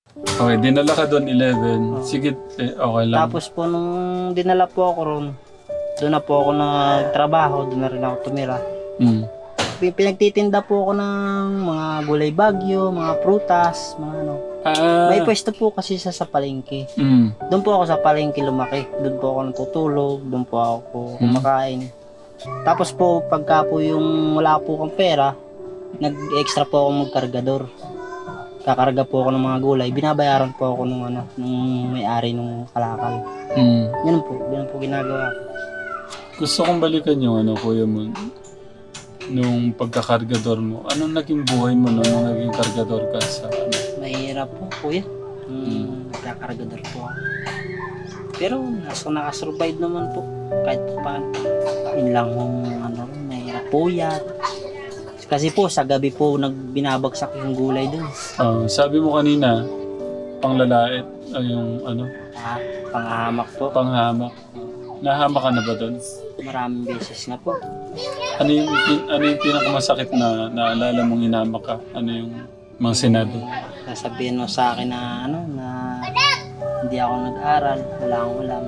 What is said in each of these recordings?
Okay, dinala ka doon 11. Sige, okay lang. Tapos po nung dinala po ako ron, doon na po ako nagtrabaho, doon na rin ako tumira. Mm. Pinagtitinda po ako ng mga gulay bagyo, mga prutas, mga ano. Ah, May pwesto po kasi sa palengke. Doon po ako sa palengke lumaki. Doon po ako natutulog, doon po ako kumakain. Tapos po, pagka po yung wala po akong pera, nag-extra po ako magkargador. Kakarga po ako ng mga gulay. Binabayaran po ako nung may-ari nung kalakal. Ganun po ginagawa ko. Gusto kong balikan yung kuya mo. Nung pagkakargador mo. Anong naging buhay mo nung naging kargador ka sa Mahirap po, kuya. Nagkakargador po ako. Pero nakasurvive naman po. Kahit paano. Yun lang mahirap po yan. Kasi po, sa gabi po, binabagsak yung gulay dun. Sabi mo kanina, panglalait, yung Panghamak po. panghamak. Nahamak ka na ba doon? Maraming beses na po. Ano yung pinakamasakit na naalala mong hinamak ka? Ano yung mga sinabi? Sasabihin mo sa akin na na hindi ako nag-aral, wala akong alam.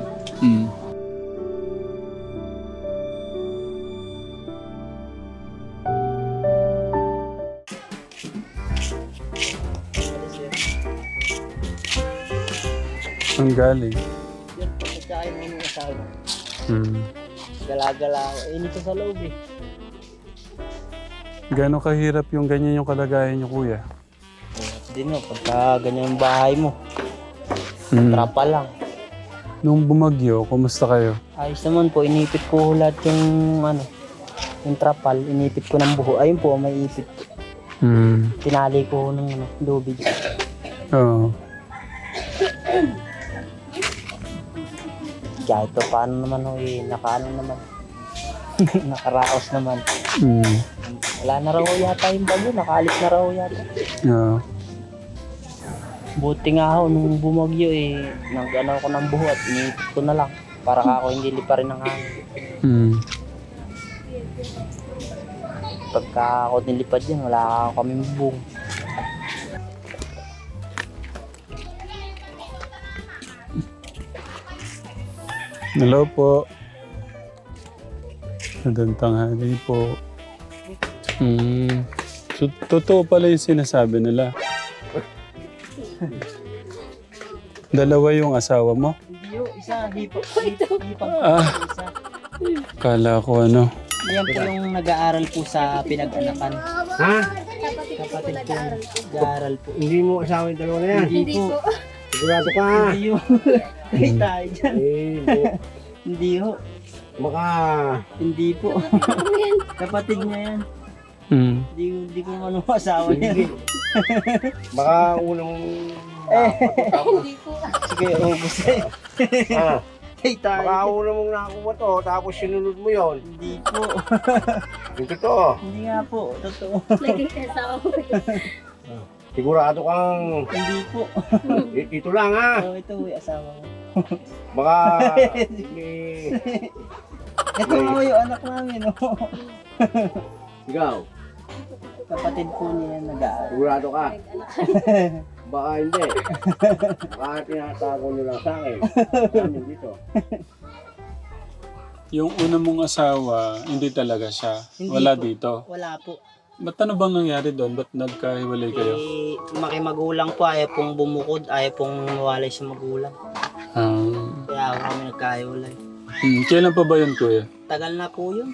Ang galing. Yan po, pagkain mo yung asawa. Mm. Gala-gala ako. Init sa loob eh. Gano'ng kahirap yung ganyan yung kalagayan niyo, kuya? Hindi no, pagka ganyan yung bahay mo, Mm. trapa lang. Nung bumagyo, kumusta kayo? Ayos naman po, inipit ko lahat yung trapal, inipit ko ng buho. Ayun po, may ipit. Tinali ko ng lubid. Oo. Kahit pa paano naman nakaano naman. Nakaraos naman. Wala na raw yata yung bagyo, nakaalis na raw yata. Oo. Buti nga ako nung bumagyo nag-ano ko ng buho at inipit ko na lang para ako hindi lipa rin ng hangin. Pagka ako nilipad yan, wala kaming bubong. Hello po. Magandang tanghali po. So, totoo pala yung sinasabi nila. Dalawa yung asawa mo? Hindi yun, isa, hipag Ah, kala ko Yan po yung nag-aaral po sa pinag-anakan. Ha? Kapatid ko, nag-aaral po. Hindi mo asawa yung dalawa na yan? Hindi po. Sigurado ka? Hindi yun. Ay, tayo dyan. Hindi. Hindi ho. Baka... Hindi po. Kapatid niya yan. Hindi ko naman ang asawa niya. Baka unang... Hindi po. Sige, ubus eh. Ha? Ay, tayo. Baka unang mong nakakuha to, tapos sinunod mo yon. Hindi po. Yung totoo. Hindi nga po. Totoo. Sigurado kang... Hindi po. Ito lang ha. Oh, ito yung asawa ko. Baka... Ito mo yung anak namin. Oh. Ikaw, Kapatid po niya nag-aaral. sigurado ka. Baka hindi. Baka tinatago nyo lang sa akin. Amin dito. yung una mong asawa, hindi talaga siya. Hindi Wala po. dito. Wala po. Ba't ano bang nangyari doon? Ba't nagkahiwalay kayo? Makimagulang po, ayaw pong bumukod, ayaw pong mawalay sa magulang. Kaya ako kami nagkahiwalay. Kailan pa ba yun, kuya? Tagal na po yun.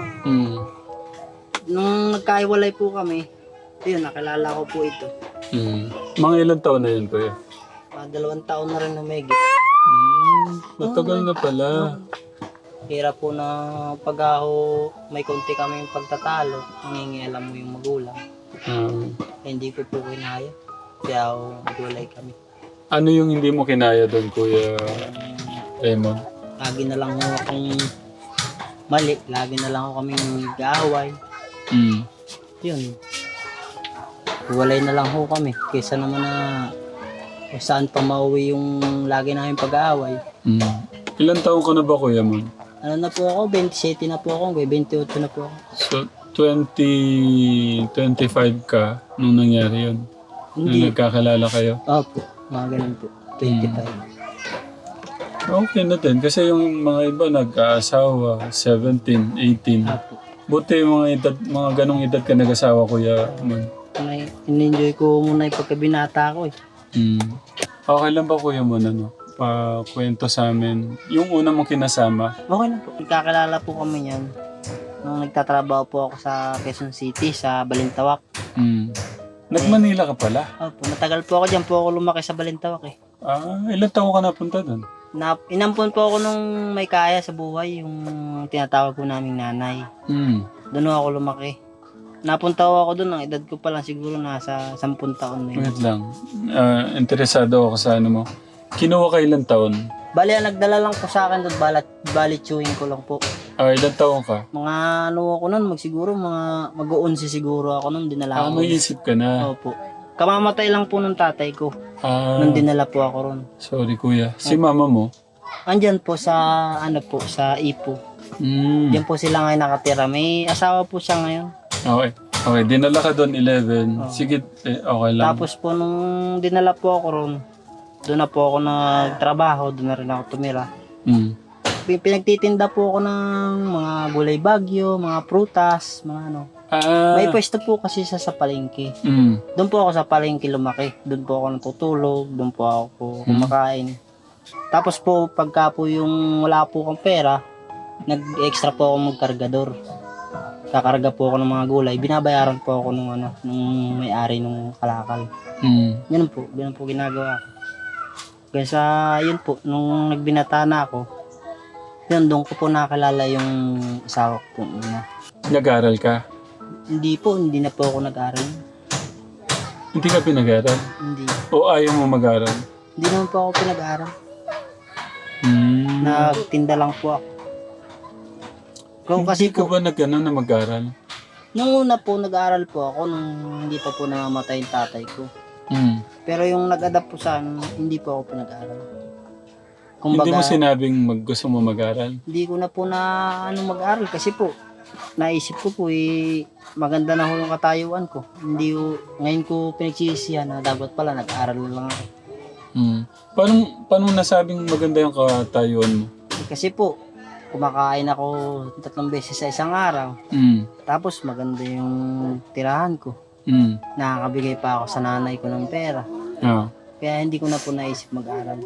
Hmm. Nung nagkahiwalay po kami, yun, nakilala ko po ito. Mga ilang taon na yun, kuya? 2 taon na rin humigit. Matagal na pala. Hirap po na pag ako may konti kaming pagtatalo, nangingialam mo yung magulang. Hindi ko po kinaya. Kaya ako nagwalay kami. Ano yung hindi mo kinaya doon, Kuya Raymond? Lagi na lang ho akong mali. Lagi na lang ako kaming nag-aaway. Yun. Walay na lang ho kami. Kaysa naman na kung saan pa mauwi yung lagi namin pag-aaway. Ilan taon ka na ba, Kuya Mon? Ano na po ako? 27 na po ako. 28 na po ako. So, 25 ka nung nangyari yun. Nung Hindi. nagkakilala kayo? Opo, mga ganun po. 25. Okay na din. Kasi yung mga iba nag-aasawa, 17, 18. Opo. Buti yung mga ganong edad ka nag-asawa, Kuya Man. In-enjoy ko muna yung pagkabinata ko eh. Okay lang ba, Kuya Man, kwento sa amin? Yung una mong kinasama? Okay na po. Nagkakilala po kami niyan. Nung nagtatrabaho po ako sa Quezon City, sa Balintawak. Nag-Manila ka pala? Opo, matagal po ako dyan po ako lumaki sa Balintawak eh. Ilan taon ka napunta doon? Inampon po ako nung may kaya sa buhay, yung tinatawag ko naming nanay. Doon ako lumaki. Napunta ako doon, ang edad ko pa lang siguro nasa 10 taon na yun. Wait lang. Interesado ako sa ano mo. Kinuha ka ilang taon? Bali, ang nagdala lang po sa akin doon, bali chewing ko lang po. Ilang taon ka? Mga ano ako noon, siguro mag-11 siguro ako noon, dinala ako. May isip ka na. Opo. Kamamatay lang po nung tatay ko. Nung dinala po ako ron. Sorry, Kuya. Si mama mo? Andyan po sa, sa Ipo. Diyan po sila ngayon nakatira. May asawa po siya ngayon. Okay. Okay, dinala ka doon 11. Sige, okay lang. Tapos po nung dinala po ako ron, doon na po ako nagtrabaho, doon na rin ako tumira. Pinagtitinda po ako ng mga gulay bagyo, mga prutas, mga ano. May pwesto po kasi sa palengke. Doon po ako sa palengke lumaki. Doon po ako natutulog, doon po ako kumakain. Tapos po, pagka po yung wala po akong pera, nag-extra po ako magkargador. Kakarga po ako ng mga gulay. Binabayaran po ako nung may-ari nung kalakal. Ganun po ginagawa ko. Kaya sa yun po, nung nagbinata na ako, yun, doon ko po nakakilala yung asawa ko po una. Nag-aral ka? Hindi na po ako nag-aral. Hindi ka pinag-aral? Hindi. O ayaw mo mag-aral? Hindi naman po ako pinag-aral. Nagtinda lang po ako. Hindi ka ba na mag-aral? Nung una po, nag-aral po ako nung hindi pa po namamatay yung tatay ko. Pero yung nag-adapt po sa hindi po ako pinag-aral. Hindi mo sinabing gusto mo mag-aral? Hindi ko na po mag-aral kasi po, naisip ko po maganda na ho yung katayuan ko. Ngayon ko pinagsisihan na dapat pala nag-aral lang ako. Paano nasabing maganda yung katayuan mo? Kasi po, kumakain ako 3 beses sa isang araw. Tapos maganda yung tirahan ko. Nakakabigay pa ako sa nanay ko ng pera. Kaya hindi ko na po naisip mag-aral.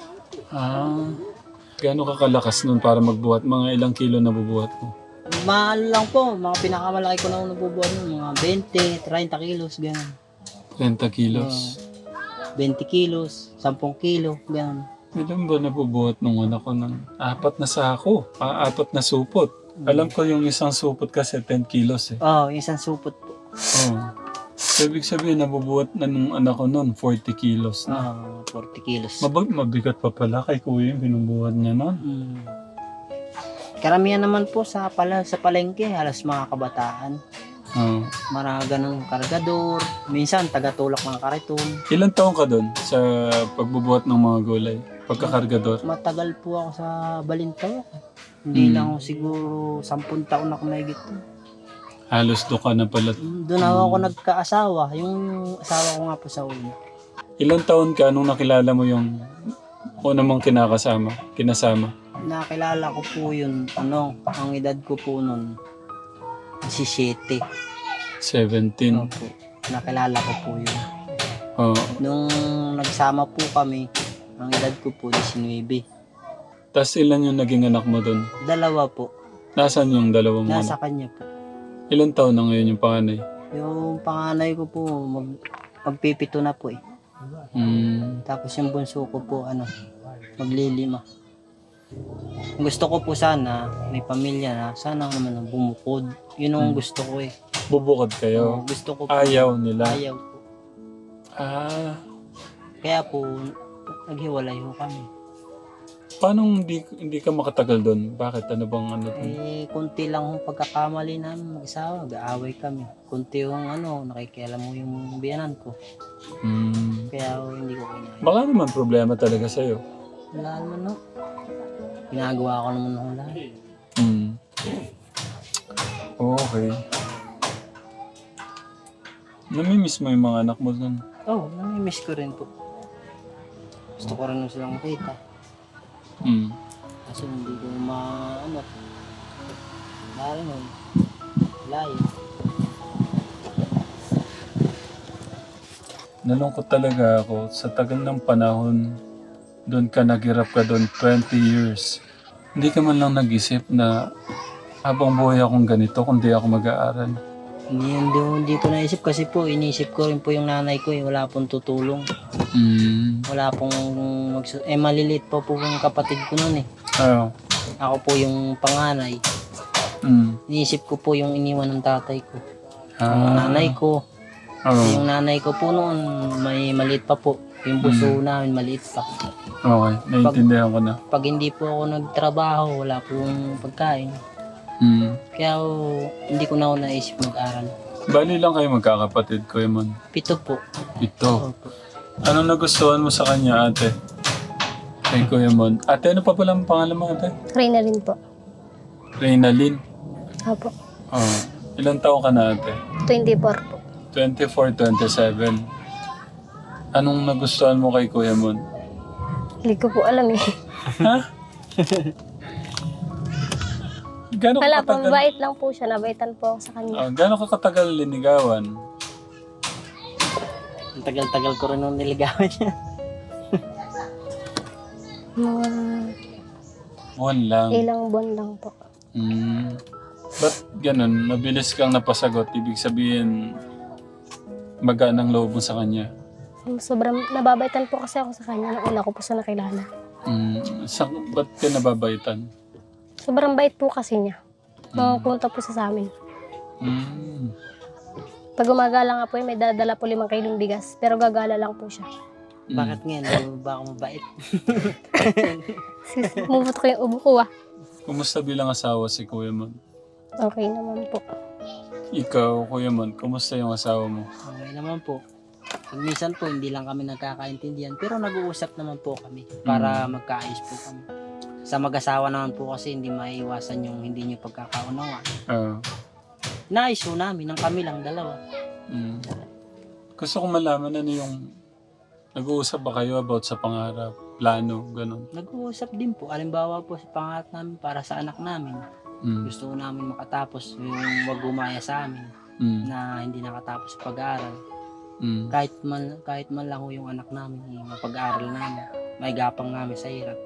Gaano ka kalakas nun para magbuhat? Mga ilang kilo na bubuhat mo? Mahal lang po. Mga pinakamalaki ko na nabubuhat nun. Mga 20, 30 kilos, gano'n. 30 kilos? 20 kilos, 10 kilo, gano'n. Ilan ba nabubuhat nung anak ko ng 4 na sako? 4 na supot. Alam ko yung isang supot kasi 10 kilos eh. Isang supot po. So, ibig sabihin, nabubuhat na nung anak ko nun, 40 kilos na. 40 kilos. Mabigat pa pala kay kuya yung binubuhat niya nun. Karamihan naman po sa palengke, halos mga kabataan. Mga ganun kargador. Minsan, taga-tulak ng kariton. Ilan taon ka dun sa pagbubuhat ng mga gulay? Pagkakargador? Matagal po ako sa Balintawak. Hindi lang ako siguro 10 taon ako mahigit. Halos doon ka na pala. Doon ako nagkaasawa. Yung asawa ko nga po sa una. Ilang taon ka nung nakilala mo yung una mong kinasama? Nakilala ko po yun, ang edad ko po nun, 17. 17? Opo, nakilala ko po yun. Nung nagsama po kami, ang edad ko po 19. Tapos ilan yung naging anak mo dun? 2 po. Nasaan yung dalawa mo? Nasa kanya po. Ilan taon na ngayon yung panganay? Yung panganay ko po, magpipito na po eh. Tapos yung bunso ko po, maglilima. Gusto ko po sana, may pamilya na, sana naman bumukod. Yun ang gusto ko eh. Bubukod kayo? Gusto ko po. Ayaw nila? Ayaw po. Kaya po, naghiwalay ho kami. Paano hindi ka makatagal doon? Bakit? Ano bang doon? Kunti lang yung pagkakamali namin mag-isawa. Gaaway kami. Kunti yung nakikialam mo yung biyanan ko. Kaya hindi ko kinaya. Baka naman problema talaga sa'yo. Wala naman ginagawa ko naman ng lahat. Okay. Namimiss mo yung mga anak mo doon? Oh, nami-miss ko rin po. Gusto ko rin silang makita. Kasi hindi ko dahil nun, layo. Nalungkot talaga ako sa tagal ng panahon. Doon ka naghirap ka doon 20 years. Hindi ka man lang nag-isip na habang buhay akong ganito kundi ako mag-aaral. Hindi ko naisip kasi po, inisip ko rin po yung nanay ko wala pong tutulong. Wala pong maliliit pa po yung kapatid ko noon eh. Oo. Ako po yung panganay. Inisip ko po yung iniwan ng tatay ko. Yung nanay ko. Yung nanay ko po noon, may maliit pa po. Yung buso namin, maliit pa. Okay, naiintindihan ko na. Pag hindi po ako nagtrabaho, wala pong pagkain. Kaya hindi ko na ako naisip mag-aral. Bali lang kayo magkakapatid, Kuya Mon? 7 po. 7. Opo. Ano nagustuhan mo sa kanya, ate? Kay Kuya Mon. Ate, ano pa pala ang pangalan mo, ate? Reynalyn po. Reynalyn. Opo. Oh. Ilang taon ka na, ate? 24 po. 24, 27. Anong nagustuhan mo kay Kuya Mon? Hindi ko po alam eh. Ha? Gano'n Wala ka po, katagal? mabait lang po siya. Nabaitan po ako sa kanya. Gano'n ka katagal linigawan? Ang tagal-tagal ko rin nung niligawan niya. Mga Buwan lang. ilang buwan lang po. Ba't ganun? Mabilis kang napasagot. Ibig sabihin, magaan ang loob mo sa kanya. Sobrang nababaitan po kasi ako sa kanya nung una ko po sa nakilala. Ba't ka nababaitan? Sobrang bait po kasi niya. Pumunta po sa amin. Pag gumagala nga po may dadala po 5 kilong bigas. Pero gagala lang po siya. Bakit ngayon? Hindi ba ako mabait? Mumut ko yung ubo ko ah. Kumusta bilang asawa si Kuya Mon? Okay naman po. Ikaw, Kuya Mon, kumusta yung asawa mo? Okay naman po. Pag minsan po, hindi lang kami nagkakaintindihan. Pero nag-uusap naman po kami para magkaayos po kami. Sa mag-asawa naman po kasi hindi maiiwasan yung hindi nyo pagkakaunawa. Naayos po namin ng kami lang dalawa. Gusto kong malaman ano yung nag-uusap ba kayo about sa pangarap, plano, ganun? Nag-uusap din po. Alimbawa po sa pangarap namin para sa anak namin. Gusto ko namin makatapos yung wag gumaya sa amin na hindi nakatapos sa pag-aaral. Kahit man lang ho yung anak namin, yung mapag-aaral namin, may gapang namin sa hirap.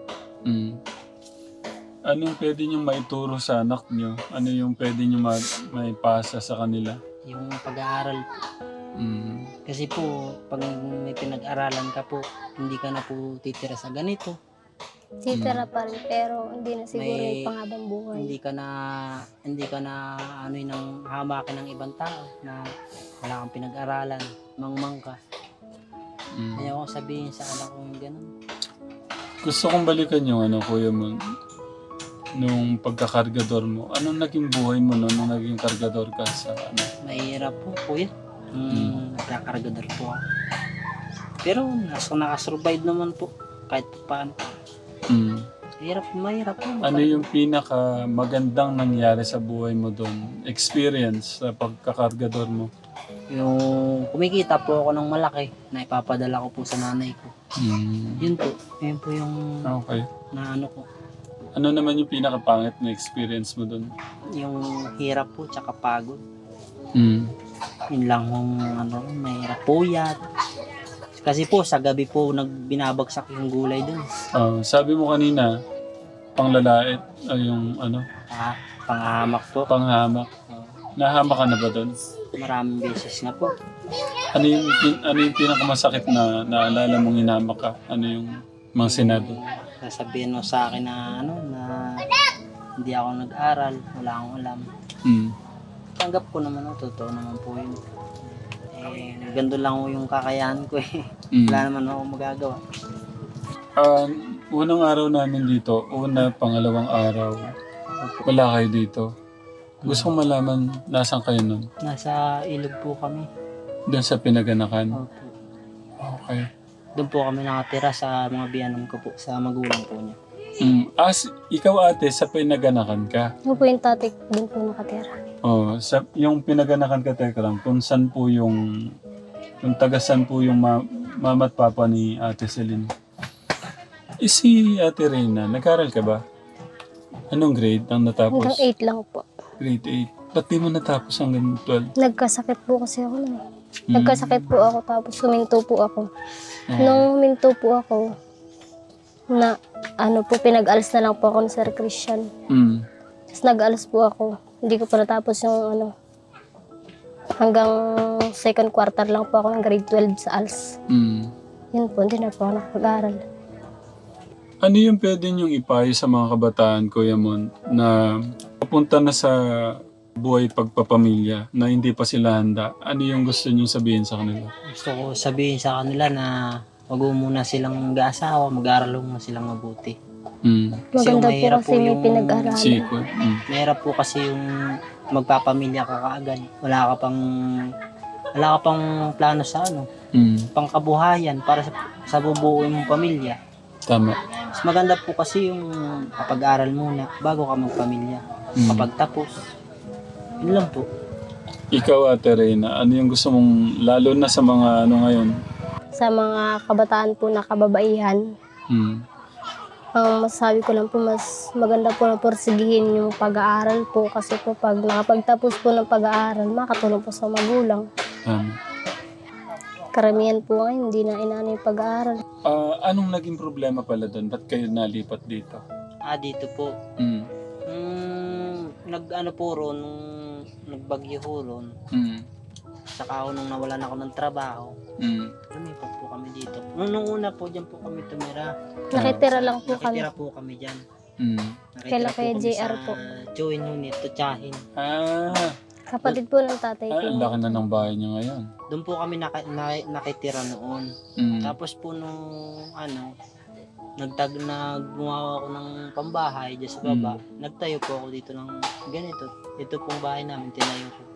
Anong pwede nyo maituro sa anak nyo? Ano yung pwede nyo maipasa sa kanila? Yung pag-aaral po. Kasi po, pag may pinag-aralan ka po, hindi ka na po titira sa ganito. Titira pa rin pero hindi na siguro yung panghabang buhay. Hindi ka na ng hamakin ng ibang tao na wala kang pinag-aralan, mangmang ka. Kaya ako sabihin sa anak ko yung gano'n. Gusto kong balikan yung Kuya Mon, nung pagkakargador mo. Anong naging buhay mo nung naging kargador ka sa Mahirap po, kuya. Nagkakargador po ako. Pero nakasurvive naman po kahit paano. Mahirap po. Ano yung pinaka magandang nangyari sa buhay mo doon? Experience sa pagkakargador mo? Yung kumikita po ako ng malaki na ipapadala ko po sa nanay ko. Yun po yung Okay. na ko. Ano naman yung pinakapangit na experience mo doon? Yung hirap po tsaka pagod. Yun lang yung mahirap po yan. Kasi po sa gabi po binabagsak yung gulay dun. Sabi mo kanina, panglalait ay yung Panghamak po. panghamak. Nahamak ka na ba doon? Maraming beses na po. Ano yung pinakamasakit na naalala mong hinamak ka? Ano yung mga sinabi? Sasabihin mo sa akin na na hindi ako nag-aral, wala akong alam. Tanggap ko naman, totoo naman po yun. Gando lang yung kakayahan ko eh. Wala naman ako magagawa. Unang araw namin dito, pangalawang araw, wala kayo dito. Gusto kong malaman, nasan kayo nun? Nasa ilog po kami. Doon sa pinaganakan? Opo. Okay. Doon po kami nakatira sa mga biyanan ko po, sa magulang po niya. Ikaw ate, sa pinaganakan ka? Ano po yung tatay doon po nakatira? Yung pinaganakan ka, teka lang, kung saan po yung Yung tagasan po yung mama at papa ni Ate Celine. Si Ate Reyna, nag-aral ka ba? Anong grade ang natapos? Hanggang 8 lang po. Grade 8. Ba't di mo natapos hanggang 12? Nagkasakit po kasi ako nun. Nagkasakit po ako tapos huminto po ako. Ah. Nung huminto po ako, na pinag-alis na lang po ako ni Sir Christian. Tapos nag-alis po ako. Hindi ko pa natapos yung hanggang second quarter lang po ako ng grade 12 sa ALS. Yun po, hindi na po ako nakapag-aral. Ano yung pwede niyong ipayo sa mga kabataan, Kuya Mon, na papunta na sa buhay pagpapamilya, na hindi pa sila handa? Ano yung gusto niyong sabihin sa kanila? Gusto ko sabihin sa kanila na wag mo muna silang mag-aasawa, mag-aaral muna silang mabuti. Kasi Maganda po mahirap kasi may pinag-aralan. Sikot. Mahirap po kasi yung magpapamilya ka kaagad. Wala ka pang plano sa pangkabuhayan para sa bubuuin mong pamilya. Tama. Mas maganda po kasi yung kapag-aral muna bago ka magpamilya. Kapag tapos, yun lang po. Ikaw, Ate Reyna, ano yung gusto mong, lalo na sa mga ngayon? Sa mga kabataan po na kababaihan, ang masasabi ko lang po, mas maganda po na porsigihin yung pag-aaral po kasi po pag nakapagtapos po ng pag-aaral, makatulong po sa magulang. Karamihan po ngayon, hindi na inaano yung pag-aaral. Anong naging problema pala doon? Ba't kayo nalipat dito? Dito po. Nag-ano po ron, nung nagbagyo ho ron, saka ako nung nawalan ako ng trabaho, lumipat po kami dito. Nung una po, dyan po kami tumira. Nakitira lang po kami. Nakitira po kami dyan. Kailan kaya JR po? Join Unit, Tutsahin. Kapatid po ng tatay ko. Ang laki na ng bahay niyo ngayon. Doon po kami nakitira noon. Tapos po nung naggumawa ako ng pambahay dyan sa baba, nagtayo po ako dito ng ganito. Ito pong bahay namin, tinayo ko.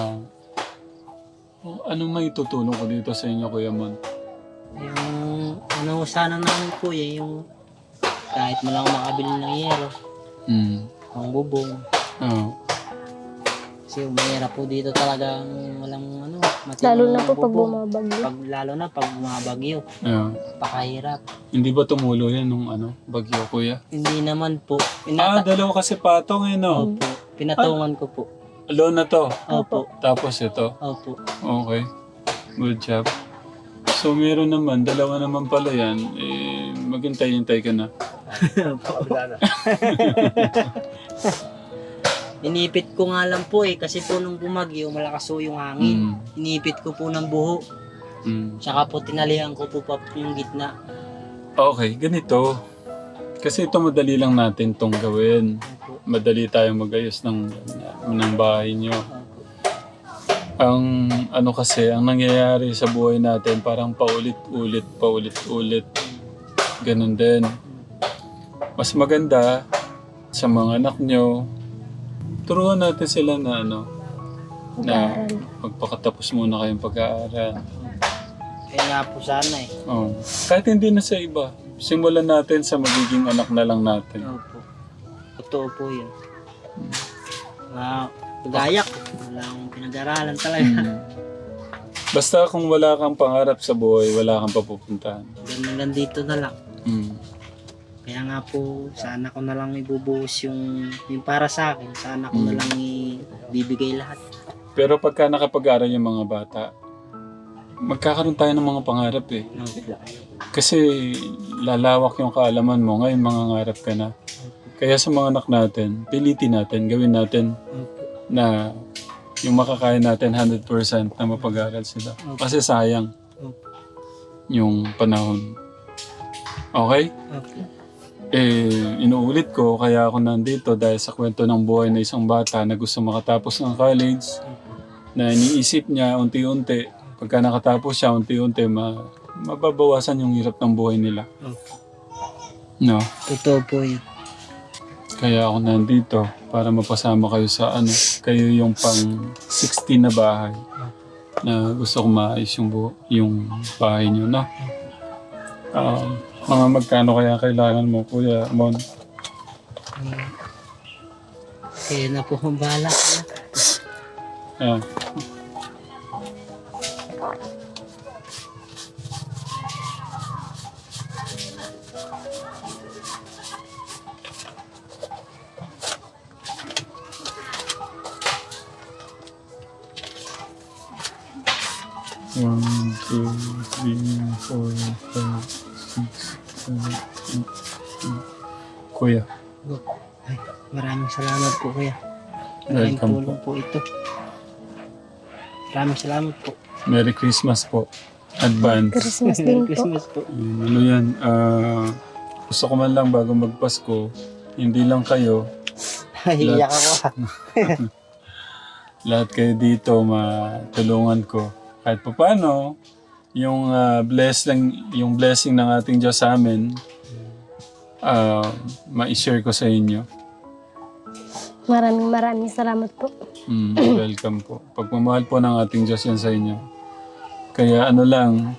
Anong may tutulong ko dito sa inyo, Kuya Mon? Yung sana namin po yung kahit mo lang makabili ng yero, ang bubong. Kasi mahirap po dito talagang walang Lalo na po pag bumabagyo. Lalo na pag bumabagyo. Pakahirap. Hindi ba tumulo yan nung bagyo, Kuya? Hindi naman po. Dalawa kasi patong no? Opo. Pinatungan ko po. Alone na to? Opo. Tapos ito? Opo. Okay. Good job. So meron naman, dalawa naman pala yan. Maghintay-hintay ka na. Inipit ko nga lang po kasi po nung bumagyo, malakas po yung hangin. Inipit ko po ng buho. Tsaka po tinalihan ko po yung gitna. Okay, ganito. Kasi ito madali lang natin itong gawin. Madali tayong magayos ng bahay nyo. Ang kasi, ang nangyayari sa buhay natin, parang paulit-ulit. Ganun din. Mas maganda sa mga anak nyo, turuan natin sila na na magpakatapos muna kayong pag-aaral. Kaya nga po sana Kahit hindi na sa iba, simulan natin sa magiging anak na lang natin. Opo. Totoo po yun. Gayak. Wala akong pinag-aralan talaga. Basta kung wala kang pangarap sa buhay, wala kang papupuntahan. Hanggang dito na lang. Kaya nga po, sana ko na lang ibubuhos yung para sa akin. Sana ko na lang ibibigay lahat. Pero pagka nakapag-aral yung mga bata, magkakaroon tayo ng mga pangarap Kasi lalawak yung kaalaman mo. Ngayon mangangarap ka na. Kaya sa mga anak natin, pilitin natin, gawin natin na yung makakaya natin 100% na mapag-aral sila. Kasi sayang yung panahon. Okay? Inuulit ko, kaya ako nandito dahil sa kwento ng buhay na isang bata na gusto makatapos ng college, na iniisip niya unti-unti, pagka nakatapos siya unti-unti, mababawasan yung hirap ng buhay nila. No? Totoo po yun. Kaya ako nandito para mapasama kayo sa kayo yung pang 16 na bahay na gusto ko maayos yung bahay niyo, no? Mga magkano kaya kailangan mo, Kuya Mon? Kaya na po ang bahala. One, two, three, 4, 5, 6, 7, 8. Kuya, Ay, maraming salamat po kuya. Malaking Welcome tulong po ito. Maraming salamat po. Merry Christmas po. Advance. Christmas din po. Christmas po. Ano yan, gusto ko man lang bago magpasko, hindi lang kayo, Iyak ako ha. lahat kayo dito matulungan ko. Kahit pa paano, yung blessing ng ating Diyos sa amin, ma-share ko sa inyo. Maraming salamat po. Welcome po. Pagmamahal po ng ating Diyos yan sa inyo. Kaya ano lang,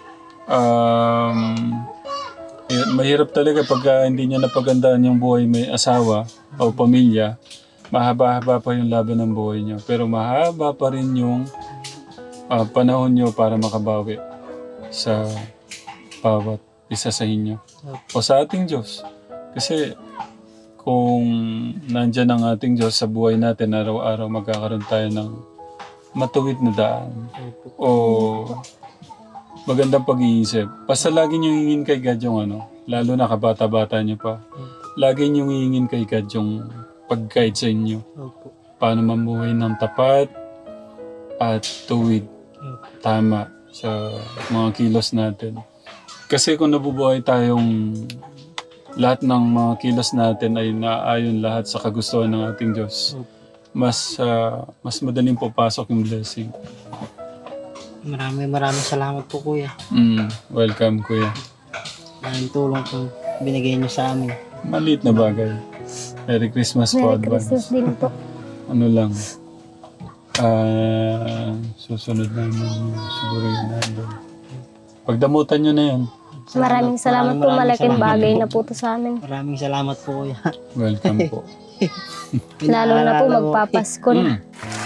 mahirap talaga pagka hindi niya napagandaan yung buhay may asawa o pamilya. Mahaba-haba pa yung laban ng buhay niyo. Pero mahaba pa rin yung panahon niyo para makabawi sa bawat isa sa inyo. O sa ating Diyos. Kasi kung nandyan ang ating Diyos sa buhay natin, araw-araw magkakaroon tayo ng matuwid na daan. O magandang pag-iisip. Basta lagi niyo hingin kay God yung lalo na kabata-bata niyo pa. Lagi niyo hingin kay God yung pag-guide sa inyo. Opo. Paano mamuhay ng tapat at tuwid. Tama sa mga kilos natin. Kasi kung nabubuhay tayong lahat ng mga kilos natin ay naayon lahat sa kagustuhan ng ating Diyos, mas madaling papasok yung blessing. Maraming salamat po kuya. Welcome, Kuya. Maraming tulong po binigay niyo sa amin. Maliit na bagay. Merry Christmas po, Merry advance. Christmas din po. Ano lang, susunod namin siguro yun nandun. Pagdamutan nyo na yan. Maraming salamat po. Malaking bagay na po to sa amin. Maraming salamat po kuya. Welcome po. Lalo na po magpapasko na.